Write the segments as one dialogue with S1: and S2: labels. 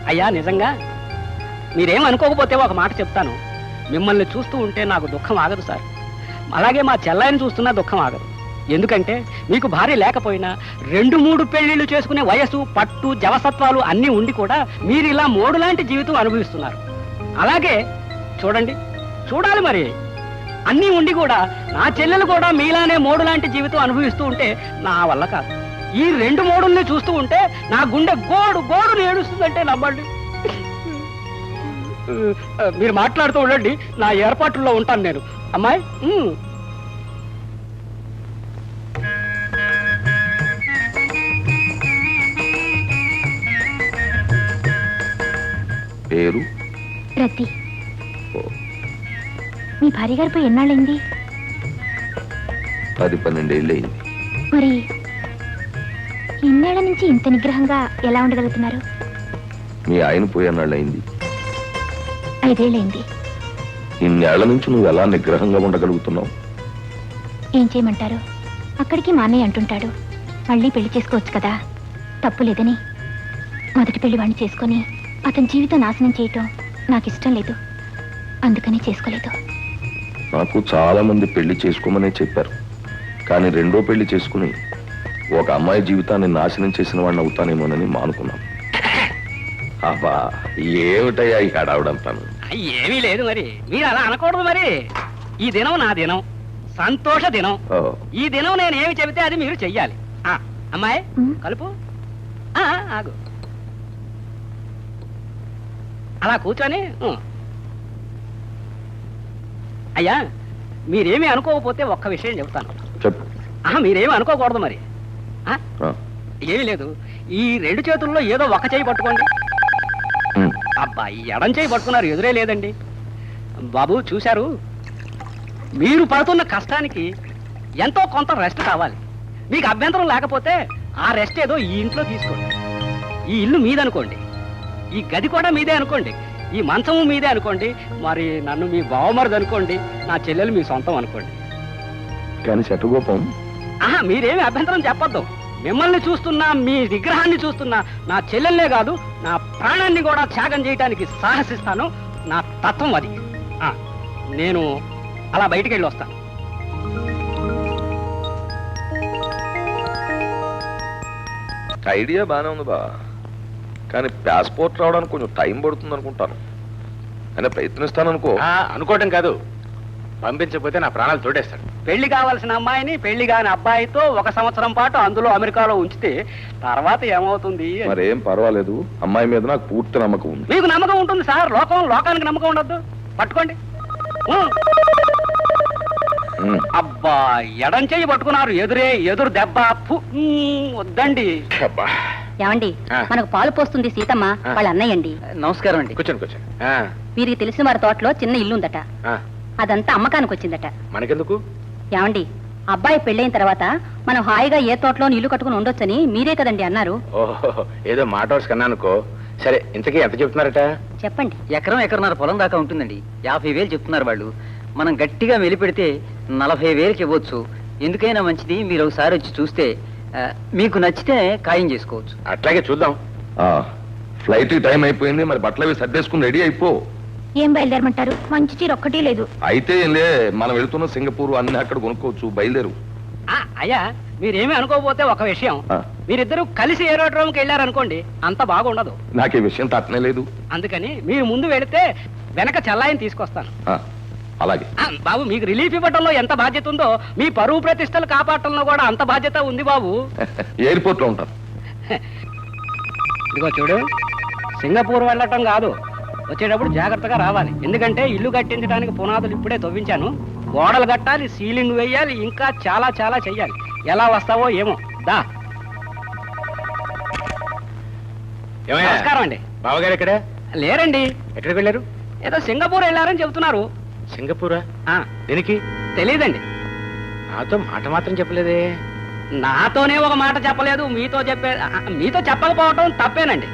S1: అయ్యా నిజంగా మీరేం అనుకోకపోతే ఒక మాట చెప్తాను. మిమ్మల్ని చూస్తూ ఉంటే నాకు దుఃఖం ఆగదు సార్. అలాగే మా చెల్లాయిని చూస్తున్నా దుఃఖం ఆగదు. ఎందుకంటే మీకు భార్య లేకపోయినా 2-3 పెళ్లిళ్ళు చేసుకునే వయసు, పట్టు, జవసత్వాలు అన్నీ ఉండి కూడా మీరు ఇలా మోడులాంటి జీవితం అనుభవిస్తున్నారు. అలాగే చూడండి, చూడాలి మరి, అన్నీ ఉండి కూడా నా చెల్లెలు కూడా మీలానే మోడులాంటి జీవితం అనుభవిస్తూ ఉంటే నా వల్ల కాదు. ఈ 2 మోడుల్ని చూస్తూ ఉంటే నా గుండె గోడు గోడుని ఏడుస్తుందంటే నమ్మండి. మీరు మాట్లాడుతూ ఉండండి, నా ఏర్పాట్లలో ఉంటాను నేను. అమ్మాయి
S2: పేరు
S3: రతి. మీ భార్య గారు పోయి ఎన్నాళ్ళైంది?
S2: 10-12 ఏళ్ళు అయింది.
S3: మరి ఇన్నేళ్ల నుంచి ఇంత నిగ్రహంగా ఎలా ఉండగలుగుతున్నారు?
S2: మీ ఆయన పోయి అన్నాళ్ళు అయింది.
S3: 5 ఏళ్ళైంది.
S2: ఇన్నేళ్ల నుంచి నువ్వు ఎలా నిగ్రహంగా ఉండగలుగుతున్నావు?
S3: ఏం చేయమంటారు? అక్కడికి మా అన్నయ్య అంటుంటాడు, మళ్ళీ పెళ్లి చేసుకోవచ్చు కదా, తప్పు లేదని. మొదటి పెళ్లి వాడిని చేసుకొని అతని జీవితం నాశనం చేయటం నాకు ఇష్టం లేదు, అందుకని చేసుకోలేదు.
S2: నాకు చాలా మంది పెళ్లి చేసుకోమనే చెప్పారు, కానీ 2వ పెళ్లి చేసుకుని ఒక అమ్మాయి జీవితాన్ని నాశనం చేసిన వాడిని అవుతానేమోనని మానుకున్నాను. అబ్బా ఏమిటయ్యా ఈ హడావుడంతాను?
S1: ఏమీ లేదు మరి, మీరు అలా అనకూడదు మరి. ఈ దినం నా దినం, సంతోష దినం. ఈ దినం నేను ఏమి చెబితే అది మీరు చెయ్యాలి. అమ్మాయి కలుపు, ఆగు, అలా కూర్చొని. అయ్యా మీరేమీ అనుకోకపోతే ఒక్క విషయం చెబుతాను. మీరేమీ అనుకోకూడదు మరి. ఏమీ లేదు, ఈ 2 చేతుల్లో ఏదో ఒక చేయి పట్టుకోండి. అబ్బా, ఈ ఎడం చేయి పట్టుకున్నారు, ఎదురే లేదండి. బాబు చూశారు, మీరు పడుతున్న కష్టానికి ఎంతో కొంత రెస్ట్ కావాలి. మీకు అభ్యంతరం లేకపోతే ఆ రెస్ట్ ఏదో ఈ ఇంట్లో తీసుకోండి. ఈ ఇల్లు మీదనుకోండి, ఈ గది కూడా మీదే అనుకోండి, ఈ మంచము మీదే అనుకోండి, మరి నన్ను మీ బావమరిది అనుకోండి, నా చెల్లెలు మీ సొంతం అనుకోండి.
S2: కానీ శటగోపం,
S1: మీరేమి అభ్యంతరం చెప్పొద్దు. మిమ్మల్ని చూస్తున్నా, మీ విగ్రహాన్ని చూస్తున్నా నా చెల్లెల్లే కాదు, నా ప్రాణాన్ని కూడా త్యాగం చేయడానికి సాహసిస్తాను. నా తత్వం అది. నేను అలా బయటికి వెళ్ళి వస్తాను.
S2: ఐడియా బానే ఉంది బా, కానీ పాస్పోర్ట్ రావడానికి కొంచెం టైం పడుతుంది అనుకుంటాను. అయినా ప్రయత్నిస్తాను అనుకో.
S4: అనుకోవటం కాదు, పంపించకపోతే నా ప్రాణాలు తోడేస్తాడు.
S1: పెళ్లి కావాల్సిన అమ్మాయిని పెళ్లి కాని అబ్బాయితో 1 సంవత్సరం పాటు అందులో అమెరికాలో ఉంచితే తర్వాత ఏమవుతుంది?
S2: మరేం పర్వాలేదు, అమ్మాయి మీద నాకు పూర్తి నమ్మకం ఉంది.
S1: మీకు నమ్మకం ఉంటుంది సార్, లోకానికి నమ్మకం ఉండద్దు. పట్టుకోండి. అబ్బా, ఎడం చెయ్యి పట్టుకున్నారు, ఎదురు దెబ్బ. వద్దండి.
S5: ఏమండి, మనకు పాలు పోస్తుంది సీతమ్మ వాళ్ళ అన్నయ్యండి.
S1: నమస్కారం అండి.
S4: కూర్చోండి కూర్చోండి.
S5: వీరికి తెలిసిన వారి తోటలో చిన్న ఇల్లు ఉందట, అదంతా అమ్మకానికి వచ్చిందట.
S4: మనకెందుకు?
S5: ఏమండి, అబ్బాయి పెళ్ళైన తర్వాత మనం హాయిగా ఏ తోటలో ఇల్లు కట్టుకుని ఉండొచ్చని మీరే కదండి అన్నారు.
S4: ఓహో, ఏదో మాట వరుస కన్నా అనుకో. సరే, ఇంతకీ ఎంత చెప్తున్నారట?
S5: చెప్పండి.
S1: ఎకరన్నర పొలం దాకా ఉంటుందండి. 50,000 చెప్తున్నారు వాళ్ళు. మనం గట్టిగా వెలిపెడితే 40,000కి ఇవ్వచ్చు. ఎందుకైనా మంచిది, మీరు ఒకసారి వచ్చి చూస్తే మీకు నచ్చితే ఖాయం చేసుకోవచ్చు.
S4: అట్లాగే చూద్దాం.
S2: ఫ్లైట్ టైం అయిపోయింది, మరి బట్టలు అవి సర్దేసుకుని రెడీ అయిపో.
S3: ఏం బయలుదేరమంటారు? మంచి చీర ఒక్కటి లేదు.
S2: అయితే ఏంలే, మనం వెళుతున్న సింగపూర్ అన్ని అక్కడ కొనుక్కోవచ్చు, బయలుదేరు.
S1: అయ్యా మీరేమీ అనుకోకపోతే ఒక విషయం, మీరిద్దరూ కలిసి ఏరోడ్రోమ్కి వెళ్ళారనుకోండి, అంత బాగుండదు.
S2: నాకే విషయం తట్టనే లేదు.
S1: అందుకని మీరు ముందు వెళితే వెనక చెల్లాయిని తీసుకొస్తాను.
S2: అలాగే
S1: బాబు, మీకు రిలీఫ్ ఇవ్వడంలో ఎంత బాధ్యత ఉందో మీ పరువు ప్రతిష్టలు కాపాడటంలో కూడా అంత బాధ్యత ఉంది బాబు.
S2: ఎయిర్పోర్ట్ లో ఉంటాను.
S1: ఇదిగో చూడు, సింగపూర్ వెళ్ళటం కాదు, వచ్చేటప్పుడు జాగ్రత్తగా రావాలి. ఎందుకంటే ఇల్లు కట్టించడానికి పునాదులు ఇప్పుడే తవ్వించాను. గోడలు కట్టాలి, సీలింగ్ వేయాలి, ఇంకా చాలా చాలా చెయ్యాలి. ఎలా వస్తావో ఏమో. దా. నమస్కారం అండి.
S4: బావగారు ఎక్కడ
S1: లేరండి.
S4: ఎక్కడికి వెళ్ళారు?
S1: ఏదో సింగపూర్ వెళ్ళారని చెబుతున్నారు.
S4: సింగపూరా? దేనికి?
S1: తెలీదండి.
S4: నాతో మాట మాత్రం చెప్పలేదే.
S1: నాతోనే ఒక మాట చెప్పలేదు, మీతో చెప్పకపోవటం తప్పేనండి.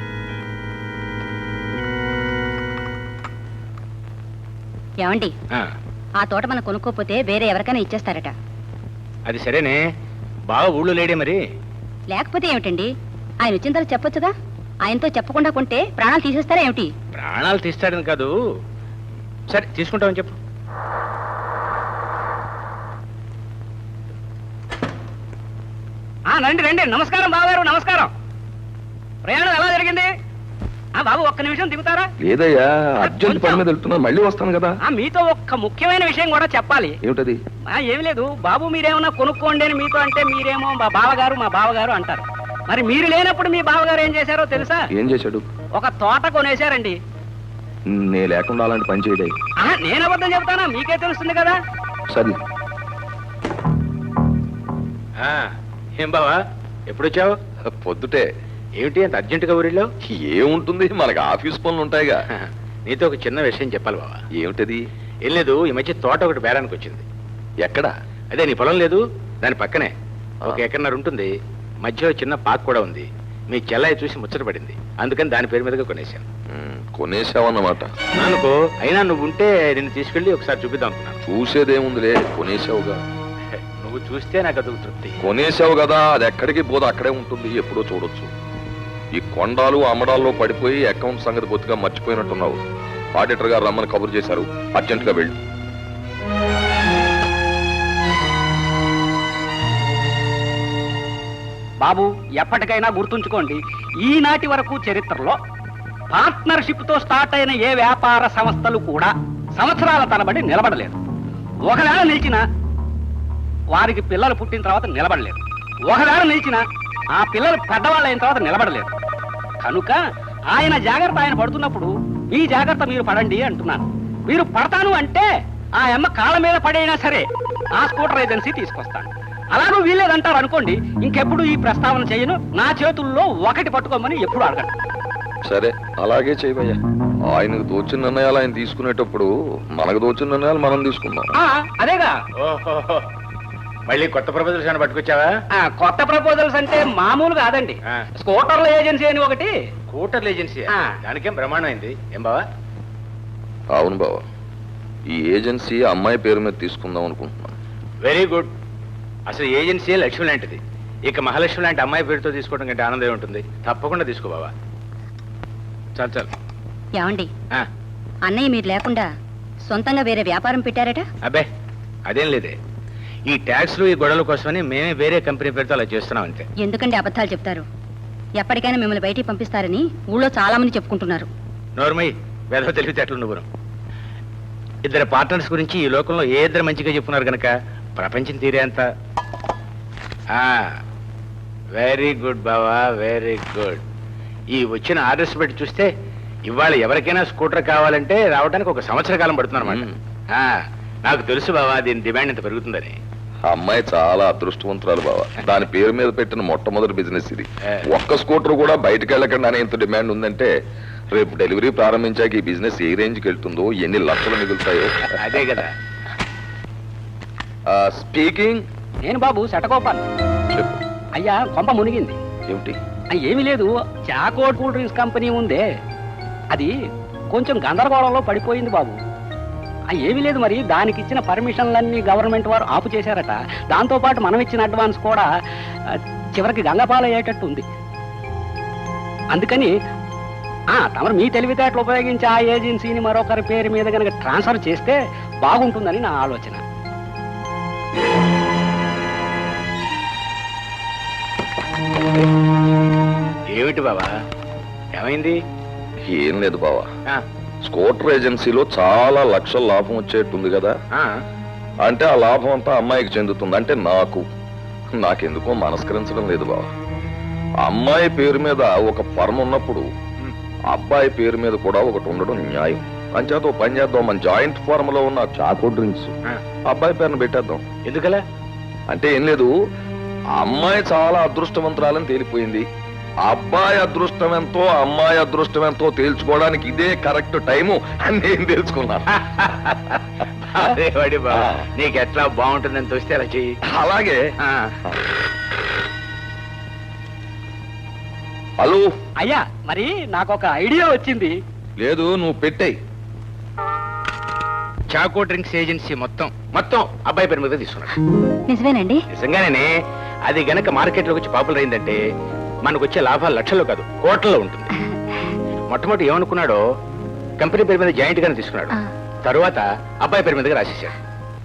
S5: ఏమండి, ఆ తోట మనం కొనుక్కోపోతే వేరే ఎవరికైనా ఇచ్చేస్తారట.
S4: అది సరేనే, బాగా ఊళ్ళో లేడే మరి.
S5: లేకపోతే ఏమిటండి, ఆయన వచ్చిన తర్వాత చెప్పొచ్చుగా. ఆయనతో చెప్పకుండా కొంటే ప్రాణాలు తీసేస్తారా ఏమిటి?
S4: ప్రాణాలు తీస్తాడని కాదు. సరే తీసుకుంటామని చెప్పు.
S1: రండి రండి. నమస్కారం బావగారు, నమస్కారం. ప్రయాణం ఎలా జరిగింది? బాబు ఒక్క నిమిషం దిగుతారా?
S2: లేదయ్యా, అర్జెంట్ పని మీద వెళ్తున్నా, మళ్ళీ వస్తాను కదా.
S1: మీతో ఒక్క ముఖ్యమైన విషయం కూడా చెప్పాలి.
S2: ఏమిటది?
S1: ఏమి లేదు బాబు, మీరేమన్నా కొనుక్కోండి అని మీతో అంటే మీరేమో మా బావగారు అంటారు. మరి మీరు లేనప్పుడు మీ బావగారు ఏం చేశారో తెలుసా?
S2: ఏం చేశాడు?
S1: ఒక తోట కొనేశారండి.
S2: నేను లేకుండా అలాంటి పని చేయడే.
S1: నేను అబద్ధం చెబుతానా? మీకే తెలుస్తుంది కదా.
S2: సరే.
S4: ఏం బావా, ఎప్పుడొచ్చావు?
S2: పొద్దుటే.
S4: ఏమిటి అంత అర్జెంటుగా ఊరిలో?
S2: ఏముంటుంది, మనకి ఆఫీస్ పనులు ఉంటాయిగా.
S4: నీతో ఒక చిన్న విషయం చెప్పాలి బావా.
S2: ఏమిటది?
S4: ఏం లేదు, ఈ మధ్య తోట ఒకటి బేరానికి వచ్చింది.
S2: ఎక్కడ?
S4: అదే నీ పొలం లేదు, దాని పక్కనే ఒక ఎకరన్నర ఉంటుంది. మధ్యలో చిన్న పార్క్ కూడా ఉంది. మీ చెల్లాయి చూసి ముచ్చట పడింది, అందుకని దాని పేరు మీదగా కొనేశాను.
S2: కొనేసావన్నమాట.
S4: అనుకో, అయినా నువ్వు ఉంటే నిన్ను తీసుకెళ్లి ఒకసారి చూపిద్దాం అనుకున్నాను.
S2: చూసేదేముందిలే, కొనేసావుగా.
S4: నువ్వు చూస్తే నాకు అదొక తృప్తి.
S2: కొనేసావు కదా, అది ఎక్కడికి పోదు, అక్కడే ఉంటుంది, ఎప్పుడో చూడొచ్చు. ఈ కొండాలు అమ్మడాల్లో పడిపోయి అకౌంట్ సంగతి బొత్తుగా మర్చిపోయినట్టున్నావు. ఆడిటర్ గారు రమ్మని కబురు చేశారు, అర్జెంట్ గా వెళ్ళి.
S1: బాబు ఎప్పటికైనా గుర్తుంచుకోండి, ఈనాటి వరకు చరిత్రలో పార్ట్నర్షిప్ తో స్టార్ట్ అయిన ఏ వ్యాపార సంస్థలు కూడా సంవత్సరాల తరబడి నిలబడలేదు. ఒకవేళ నిలిచిన వారికి పిల్లలు పుట్టిన తర్వాత నిలబడలేదు. ఒకవేళ నిలిచిన ఆ పిల్లలు పెద్దవాళ్ళు అయిన తర్వాత నిలబడలేదు. కనుక ఆయన జాగ్రత్త ఆయన పడుతున్నప్పుడు మీ జాగ్రత్త మీరు పడండి అంటున్నాను. మీరు పడతాను అంటే ఆ అమ్మ కాళ్ళ మీద పడైనా సరే ఆ స్కూటర్ ఏజెన్సీ తీసుకొస్తాను. అలాగూ వీల్లేదంటారు అనుకోండి, ఇంకెప్పుడు ఈ ప్రస్తావన చేయను. నా చేతుల్లో ఒకటి పట్టుకోమని ఎప్పుడు అడగను.
S2: సరే, అలాగే చేయవయ్యా. ఆయనకు తోచిన నిర్ణయాలు ఆయన తీసుకునేటప్పుడు మనకు తోచిన నిర్ణయాలు మనం తీసుకుందాం.
S1: అదేగా.
S4: ఓహో, మళ్ళీ కొత్త ప్రపోజల్స్ అని పట్టుకొచ్చావా?
S1: కొత్త ప్రపోజల్స్ అంటే మామూలు కాదండి. స్కూటర్ల ఏజెన్సీ అని ఒకటి.
S4: స్కూటర్ల ఏజెన్సీ? దానికేం బ్రహ్మాండం అయింది. ఏం బావా?
S2: అవును బావా, ఈ ఏజెన్సీ అమ్మాయి పేరు మీద తీసుకుందాం అనుకుంటున్నాను.
S4: Very good. అసలు ఏజెన్సీ లక్ష్మి లాంటిది. ఇక మహాలక్ష్మి లాంటి అమ్మాయి పేరుతో తీసుకోవడం కంటే ఆనందం ఉంటుంది. తప్పకుండా తీసుకో బావా. చాలు చాలు.
S5: ఏమండి, అన్నయ్య మీరు లేకుండా సొంతంగా వేరే వ్యాపారం పెట్టారట?
S4: అబ్బే అదేం లేదే, ఈ ట్యాక్స్లు ఈ గొడవల కోసమని మేమే వేరే కంపెనీ పేరుతో అలా చేస్తున్నాం అంతే.
S5: ఎందుకంటే అబద్ధాలు చెప్తారు? ఎప్పటికైనా మిమ్మల్ని బయటికి పంపిస్తారని ఊళ్ళో చాలా మంది చెప్పుకుంటున్నారు.
S4: నోర్మై, వేద తెలివితేటలు నువ్వు. ఇద్దరు పార్ట్నర్స్ గురించి ఈ లోకంలో ఏ ఇద్దరు మంచిగా చెప్పున్నారు కనుక ప్రపంచం తీరే అంత. వెరీ గుడ్ బావా, వెరీ గుడ్. ఈ వచ్చిన ఆర్డర్స్ బట్టి చూస్తే ఇవాళ ఎవరికైనా స్కూటర్ కావాలంటే రావడానికి ఒక సంవత్సర కాలం పడుతుందన్నమాట. నాకు తెలుసు బావా, దీని డిమాండ్ ఇంత పెరుగుతుందని.
S2: ఆ అమ్మాయి చాలా అదృష్టవంతురాలు బావా. దాని పేరు మీద పెట్టిన మొట్టమొదటి బిజినెస్ ఇది. ఒక్క స్కూటర్ కూడా బయటకు వెళ్ళకుండా ఇంత డిమాండ్ ఉందంటే రేపు డెలివరీ ప్రారంభించాక ఈ బిజినెస్ ఏ రేంజ్కి వెళ్తుందో, ఎన్ని లక్షలు మిగులుతాయో.
S4: అదే కదా.
S2: స్పీకింగ్.
S1: నేను బాబు శటకోపాలు.
S2: చెప్పు.
S1: అయ్యా కొంప మునిగింది.
S2: ఏమిటి?
S1: ఏమీ లేదు, చాకోట్ కూల్ డ్రింక్స్ కంపెనీ ఉందే, అది కొంచెం గందరగోళంలో పడిపోయింది బాబు. ఏమీ లేదు, మరి దానికి ఇచ్చిన పర్మిషన్లన్నీ గవర్నమెంట్ వారు ఆపు చేశారట. దాంతో పాటు మనం ఇచ్చిన అడ్వాన్స్ కూడా చివరికి గంగపాలయ్యేటట్టు ఉంది. అందుకని తమరు మీ తెలివితేటలు ఉపయోగించి ఆ ఏజెన్సీని మరొకరి పేరు మీద కనుక ట్రాన్స్ఫర్ చేస్తే బాగుంటుందని నా ఆలోచన.
S4: ఏమిటి బావా, ఏమైంది?
S2: ఏం లేదు బావా, స్కూటర్ ఏజెన్సీలో చాలా లక్షల లాభం వచ్చేట్టుంది కదా. అంటే ఆ లాభం అంతా అమ్మాయికి చెందుతుంది. అంటే నాకెందుకో మనస్కరించడం లేదు బావా. అమ్మాయి పేరు మీద ఒక ఫర్మ్ ఉన్నప్పుడు అబ్బాయి పేరు మీద కూడా ఒకటి ఉండడం న్యాయం. అంచేత పని చేద్దాం, మన జాయింట్ ఫార్మ్ లో ఉన్న చాకో డ్రింక్స్ అబ్బాయి పేరును పెట్టేద్దాం.
S4: ఎందుకలా?
S2: అంటే ఏం లేదు, అమ్మాయి చాలా అదృష్టవంతురాలని తేలిపోయింది. అబ్బాయి అదృష్టం ఎంతో అమ్మాయి అదృష్టం ఎంతో తేల్చుకోవడానికి ఇదే కరెక్ట్ టైము అని నేను తెలుసుకున్నాను.
S4: నీకు ఎట్లా బాగుంటుందని తోస్తే అలా చెయ్యి.
S2: అలాగే. హలో
S1: అయ్యా, మరి నాకు ఒక ఐడియా వచ్చింది.
S2: లేదు, నువ్వు పెట్టేయి.
S4: చాకో డ్రింక్స్ ఏజెన్సీ మొత్తం అబ్బాయి పేరు మీద తీసుకున్నాడు.
S5: నిజమేనండి?
S4: నిజంగానే. అది గనక మార్కెట్ లోకి వచ్చి పాపులర్ అయిందంటే మనకు వచ్చే లాభాలు లక్షల్లో కాదు కోట్లలో ఉంటుంది. మొట్టమొదటి ఏమనుకున్నాడో కంపెనీ పేరు మీద జాయింట్ గానే తీసుకున్నాడు.
S3: ఆ.
S4: తరువాత అబ్బాయి పేరు మీదగా రాసేసాడు.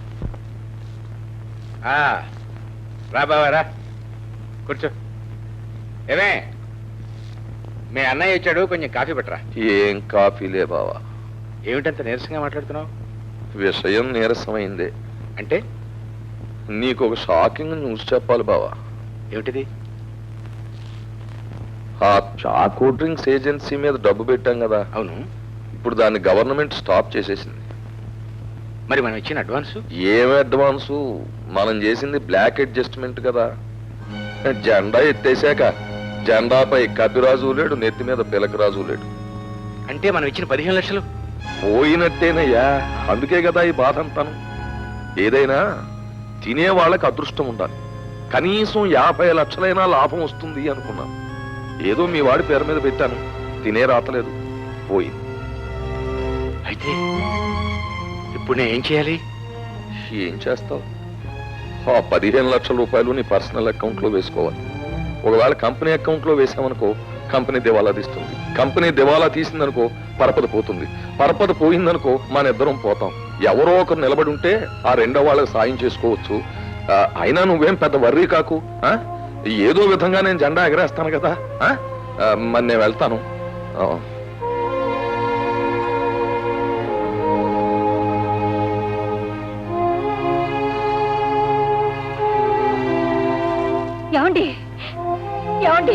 S4: రా బావా రా, కూర్చో. ఏమే, మీ అన్నయ్య వచ్చాడు, కొంచెం కాఫీ పెట్టరా.
S2: ఏం కాఫీలే బావా.
S4: ఏమిటంత నీరసంగా మాట్లాడుతున్నావు?
S2: విషయం నీరసమైందే.
S4: అంటే
S2: నీకు ఒక షాకింగ్ న్యూస్ చెప్పాలి బావా.
S4: ఏమిటిది?
S2: ఆ చాకో డ్రింక్స్ ఏజెన్సీ మీద డబ్బు పెట్టాం కదా,
S4: అవును.
S2: ఇప్పుడు దాన్ని గవర్నమెంట్ స్టాప్ చేసేసింది.
S4: మరి మనం ఇచ్చిన అడ్వాన్స్?
S2: ఏం అడ్వాన్సు, మనం చేసింది బ్లాక్ అడ్జస్ట్మెంట్ కదా. జెండా ఎత్తేసాక జెండాపై కపిరాజు లేడు, నెత్తి మీద పిలకరాజు లేడు.
S4: అంటే మనం ఇచ్చిన 15 లక్షలు
S2: పోయినట్టేనయ్యా. అందుకే కదా ఈ బాధ అంతాను. ఏదైనా తినే వాళ్ళకి అదృష్టం ఉండాలి. కనీసం 50 లక్షలైనా లాభం వస్తుంది అనుకున్నాను. ఏదో మీ వాడి పేరు మీద పెట్టాను, తినే రాతలేదు, పోయింది.
S4: అయితే ఇప్పుడు నేను ఏం చేయాలి?
S2: ఏం చేస్తావు? ఆ 15 లక్షల రూపాయలు నీ పర్సనల్ అకౌంట్ లో వేసుకోవాలి. ఒకవేళ కంపెనీ అకౌంట్ లో వేసామనుకో కంపెనీ దివాలా తీస్తుంది. కంపెనీ దివాలా తీసిందనుకో పరపద పోతుంది. పరపద పోయిందనుకో మన ఇద్దరం పోతాం. ఎవరో ఒకరు నిలబడి ఉంటే ఆ రెండో వాళ్ళకి సాయం చేసుకోవచ్చు. అయినా నువ్వేం పెద్ద వర్రీ కాకు. ఏదో విధంగా నేను జెండా ఎగరేస్తాను కదా. మరి నేను వెళ్తాను.
S5: ఏమండి ఏమండి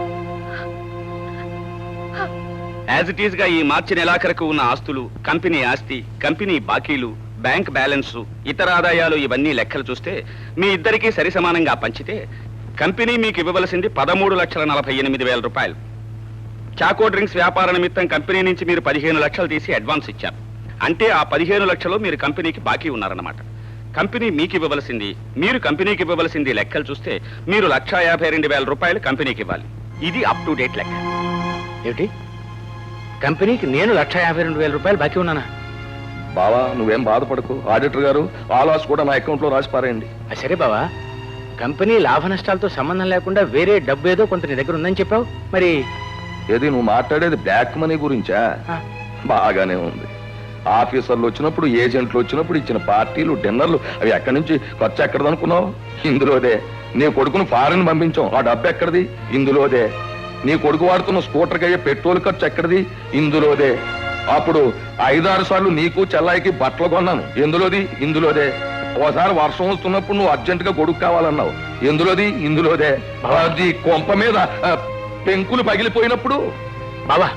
S6: యాజ్ ఇట్ ఈస్ గా ఈ మార్చి నెలాఖరకు ఉన్న ఆస్తులు, కంపెనీ ఆస్తి, కంపెనీ బాకీలు, బ్యాంక్ బ్యాలెన్స్, ఇతర ఆదాయాలు ఇవన్నీ లెక్కలు చూస్తే మీ ఇద్దరికీ సరి సమానంగా పంచితే కంపెనీ మీకు ఇవ్వవలసింది 13,48,000 రూపాయలు. చాకో డ్రింక్స్ వ్యాపార నిమిత్తం కంపెనీ నుంచి మీరు 15 లక్షలు తీసి అడ్వాన్స్ ఇచ్చారు. అంటే ఆ 15 లక్షలు మీరు కంపెనీకి బాకీ ఉన్నారన్నమాట. కంపెనీ మీకు ఇవ్వవలసింది, మీరు కంపెనీకి ఇవ్వవలసింది లెక్కలు చూస్తే మీరు 1,52,000 రూపాయలు కంపెనీకి ఇవ్వాలి. ఇది అప్ టు డేట్ లెక్క.
S4: ఏమిటి, కంపెనీకి నేను 1,52,000 రూపాయలు బాకీ ఉన్నానా?
S2: బావా నువ్వేం బాధపడకు. ఆడిటర్ గారు ఆ లాస్ కూడా నా అకౌంట్ లో రాసి పారేయండి.
S4: సరే బావా, కంపెనీ లాభ నష్టాలతో సంబంధం లేకుండా వేరే డబ్బు ఏదో కొంత నీ దగ్గర ఉందని చెప్పావు. మరి
S2: ఏది నువ్వు మాట్లాడేది బ్లాక్ మనీ గురించా? బాగానే ఉంది. ఆఫీసర్లు వచ్చినప్పుడు, ఏజెంట్లు వచ్చినప్పుడు ఇచ్చిన పార్టీలు, డిన్నర్లు అవి ఎక్కడి నుంచి ఖర్చు ఎక్కడదనుకున్నావు? ఇందులోదే. నీ కొడుకును ఫారెన్ పంపించాం, ఆ డబ్బు ఎక్కడిది? ఇందులోదే. నీ కొడుకు వాడుతున్న స్కూటర్కి అయ్యే పెట్రోల్ ఖర్చు ఎక్కడిది? ఇందులోదే. అప్పుడు 5-6 సార్లు నీకు చెల్లాయికి బట్టలు కొన్నాను, ఎందులోది? ఇందులోదే. ఒకసారి వర్షం వస్తున్నప్పుడు నువ్వు అర్జెంట్ గా గొడుగు కావాలన్నావు, ఎందులోది? ఇందులోదే. అది కొంప మీద పెంకులు పగిలిపోయినప్పుడు.
S4: బావా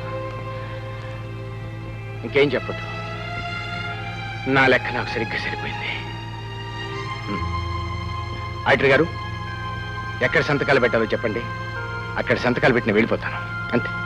S4: ఇంకేం చెప్పదు, నా లెక్క నాకు సరిగ్గా సరిపోయింది. ఆడిటర్ గారు, ఎక్కడ సంతకాలు పెట్టాలో చెప్పండి, అక్కడ సంతకాలు పెట్టిన వెళ్ళిపోతాను అంతే.